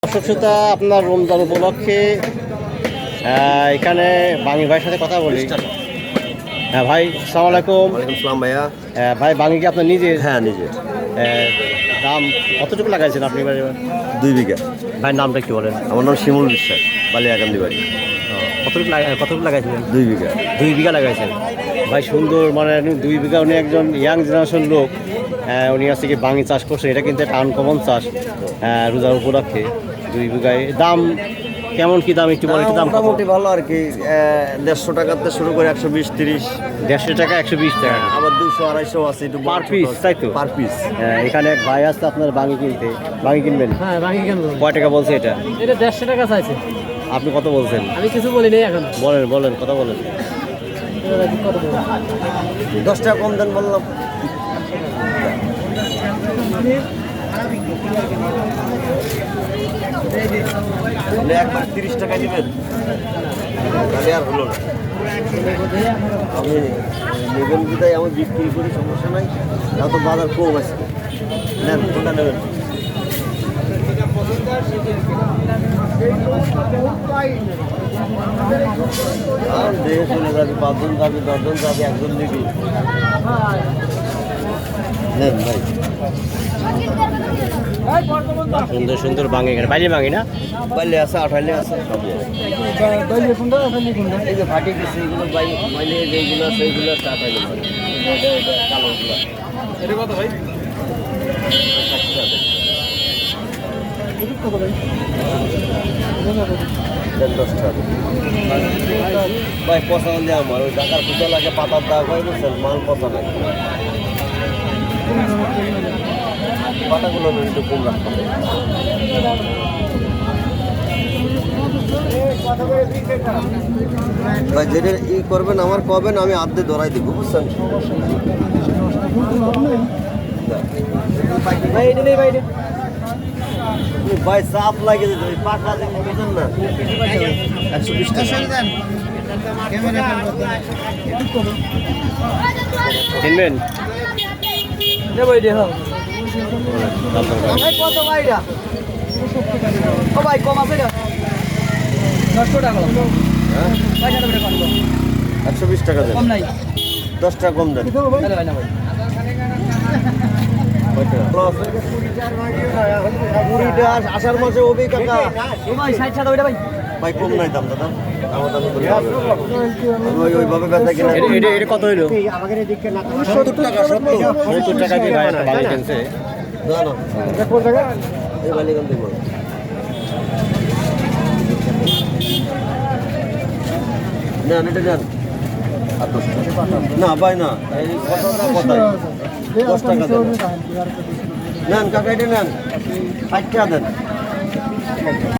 দর্শক শ্রোতা, আপনার রমজান উপলক্ষে এখানে বাঙি ভাইয়ের সাথে কথা বলি। হ্যাঁ ভাই, আসসালামু আলাইকুম। ওয়ালাইকুম সালাম ভাইয়া। ভাই, বাঙি কি আপনার নিজের? হ্যাঁ নিজে। দাম কতটুকু লাগাইছেন আপনি? 2 বিঘা। ভাইয়ের নামটা কি বলেন? আমার নাম শিমুল বিশ্বাস, বালিয়াকান্দি বাড়ি। কতটুকু লাগাইছিলেন? 2 বিঘা। 2 বিঘা লাগাইছেন। ভাই সুন্দর, মানে 2 বিঘা। উনি একজন ইয়াং জেনারেশন লোক। উনি আজকে কি বাঙি চাষ করছেন। এটা কিন্তু একটা আনকমন চাষ রোজার উপলক্ষে। 2 বিঘায় দাম কেমন, কি দাম একটু বলেন? দাম মোটামুটি ভালো আর কি। 150 টাকাতে শুরু করে 120-30। 150 টাকা, 120 টাকা, আবার 200-250 আছে একটু পার পিস, তাই তো? Per piece. এখানে এক ভাই আসছে আপনার বাঙি কিনতে। বাঙি কিনবেন? হ্যাঁ, বাকি কিনবো। কয় টাকা বলছে এটা? এটা 150 টাকা চাইছে। আপনি কত বলছেন? আমি কিছু বলি নাই এখন। বলেন কথা বলেন। কত বলবো? 10 টাকা কম দেন বললাম। একবার 30 টাকা দিবেন, তাহলে আর হলো না। আমি নেবেন বিদায় আমি বিক্রি করি, সমস্যা নাই। তাও তো বাজার কম আছে। নেন, কোনটা নেবেন? আর দেহে চলে যাবে, 5 জন যাবে, 10 জন যাবে, একজন দিবি। নেন ভাই। সুন্দর সুন্দর বাঙি, এখানে বাইরে বাঙি না? বাইলে আছে, আঠাইলে আছে, সবই আছে। এই যে ফাটি গেছে এইগুলো, বাইলে যেগুলো আছে এইগুলো আছে, আঠাইলে কালোগুলো। এটা কত ভাই? 60 টাকা। দেন 10 টাকা। ভাই পচা হলে আমার ওই টাকার পূজা লাগে, পাতার দাগ হয়, বুঝছেন? মাল পচা নাই। পাতাগুলো একটু কম রাখতে হবে। ভাই যেটা করবেন আমার কবেন, আমি আর্ধে ধরাই দিব, বুঝছেন? ভাই চাপ লাগে যেত, পাকা দেখে বুঝেন না। 120 টাকা কিনবেন? দেবো এই দেখো। কত ভাইটা? ও ভাই কম আছে না? 100 টাকা। হ্যাঁ, পয়সা দেবে কত? 120 টাকা দেন। কম নাই। 10 টাকা কম দেন। আরে ভাই না ভাই। আষাঢ় মাসে ওবি কাকা। ও ভাই 60 টাকা ওইটা ভাই। ভাই কম নাই দাম দাদা, আমার দামে বলি ওইভাবে বেচা কিনা। এটা কত হইলো? 70 টাকা। 70 টাকা দিয়ে ভাই একটা বাঙি কিনছে। না না, এই বালিগঞ্জ থেকে বলো। নেন এটা নেন। আর 10 টাকা। না ভাই না, এই কথাটা কথাই 10 টাকা দেন। নেন কাকা, এটা নেন, 60 টাকা দেন।